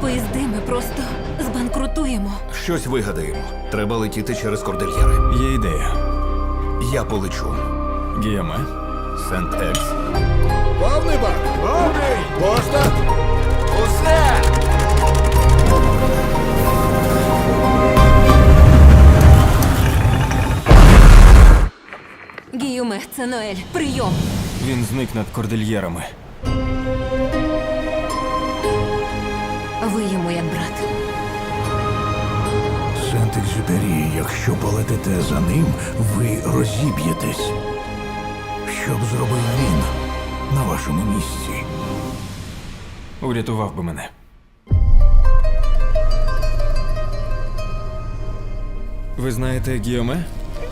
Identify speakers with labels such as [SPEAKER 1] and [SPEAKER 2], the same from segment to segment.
[SPEAKER 1] поїзди, ми просто збанкрутуємо.
[SPEAKER 2] Щось вигадаємо. Треба летіти через кордильєри.
[SPEAKER 3] Є ідея.
[SPEAKER 2] Я полечу.
[SPEAKER 3] Гіоме, Сент-Екс.
[SPEAKER 4] Повний бак! Повний! Пошта!
[SPEAKER 2] Усе!
[SPEAKER 1] Гіюме, це Ноель. Прийом.
[SPEAKER 3] Він зник над кордильєрами.
[SPEAKER 1] Ви йому як брат.
[SPEAKER 4] Сент-Екзюпері, якщо полетите за ним, ви розіб'єтесь. Що б зробив він на вашому місці?
[SPEAKER 3] Урятував би мене. Ви знаєте Гіоме?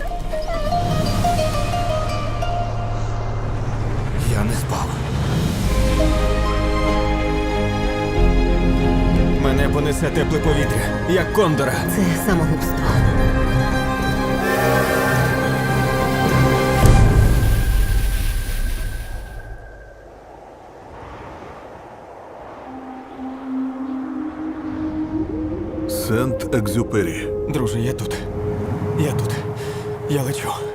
[SPEAKER 2] Я не спав.
[SPEAKER 3] Мене понесе тепле повітря, як кондора.
[SPEAKER 1] Це самогубство.
[SPEAKER 4] Сент-Екзюпері.
[SPEAKER 3] Друже, я тут. Я тут. Я лечу.